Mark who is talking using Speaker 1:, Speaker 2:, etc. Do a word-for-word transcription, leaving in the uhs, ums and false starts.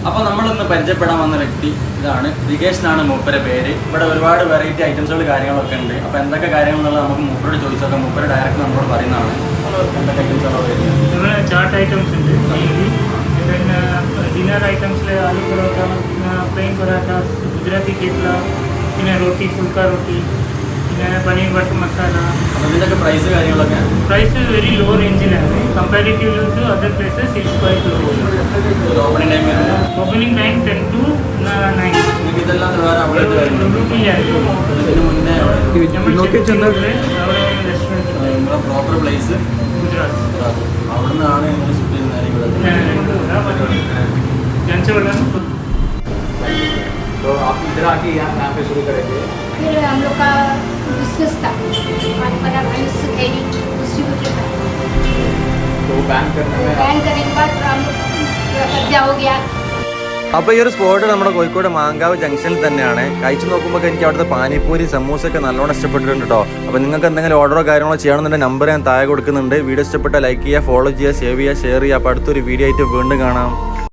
Speaker 1: അപ്പോൾ നമ്മളിന്ന് പരിചയപ്പെടാൻ വന്ന വ്യക്തി ഇതാണ്. ദികേഷ് എന്നാണ് മൂപ്പരെ പേര്. ഇവിടെ ഒരുപാട് വെറൈറ്റി ഐറ്റംസുകൾ കാര്യങ്ങളൊക്കെ ഉണ്ട്. അപ്പോൾ എന്തൊക്കെ കാര്യങ്ങളെന്നുള്ളത് നമുക്ക് മൂപ്പരോട് ചോദിച്ചൊക്കെ മൂപ്പര് ഡയറക്റ്റ് നമ്മളോട് പറയുന്നതാണ്. എന്തൊക്കെ ഐറ്റംസുകളോ വരുന്നത്?
Speaker 2: ചാട്ട് ഐറ്റംസ് ഉണ്ട്, പിന്നെ ഡിന്നർ ഐറ്റംസിൽ ആലു പൊറോട്ട, പ്ലെയിൻ പൊറോട്ട, ഗുജറാത്തി കേട്ട്ല, പിന്നെ റോട്ടി, ഫുൾക്ക റോട്ടി, പിന്നെ പനീർ ബട്ടർ മസാല.
Speaker 1: അപ്പോൾ ഇതിൻ്റെയൊക്കെ പ്രൈസ് കാര്യങ്ങളൊക്കെ?
Speaker 2: പ്രൈസ് വെരി ലോ റേഞ്ചിലാണ്. Comparatively to other places it's quite low.
Speaker 1: Opening time വരുന്നത്?
Speaker 2: Opening time ten to nine.
Speaker 1: ഇതെല്ലാം വേറെ അവിടെ വരുന്നുണ്ട്. ഇതിന് മുന്നേ അവിടെ
Speaker 2: റെസ്റ്റോറൻറ്റ്
Speaker 1: പ്രോപ്പർ പ്ലേസ്
Speaker 2: ഗുജറാത്ത്.
Speaker 1: അവിടെ നിന്നാണ് ഷിഫ്റ്റ് ചെയ്യുന്നത് ഇവിടെ.
Speaker 3: तो आप इधर आके यहाँ यहाँ पे शुरू करेंगे?
Speaker 4: फिर हम लोग का बिजनेस था, डिस्ट्रीब्यूटर था।
Speaker 3: तो बैन करने में
Speaker 4: बैन करने के बाद हम लोग कब्जा हो गया।
Speaker 5: അപ്പോൾ ഈ ഒരു സ്പോട്ട് നമ്മുടെ കോഴിക്കോട് മാങ്കാവ് ജംഗ്ഷനിൽ തന്നെയാണ്. കഴിച്ചു നോക്കുമ്പോൾ എനിക്ക് അവിടുത്തെ പാനിപ്പൂരി സമൂസയൊക്കെ നല്ലോണം ഇഷ്ടപ്പെട്ടിട്ടുണ്ട് കേട്ടോ. അപ്പോൾ നിങ്ങൾക്ക് എന്തെങ്കിലും ഓർഡറോ കാര്യങ്ങളോ ചെയ്യണമെന്നുണ്ടെങ്കിൽ നമ്പർ ഞാൻ താഴെ കൊടുക്കുന്നുണ്ട്. വീഡിയോ ഇഷ്ടപ്പെട്ടാൽ ലൈക്ക് ചെയ്യുക, ഫോളോ ചെയ്യുക, സേവ് ചെയ്യുക, ഷെയർ ചെയ്യുക. അപ്പോൾ അടുത്തൊരു വീഡിയോ ആയിട്ട് വീണ്ടും കാണാം.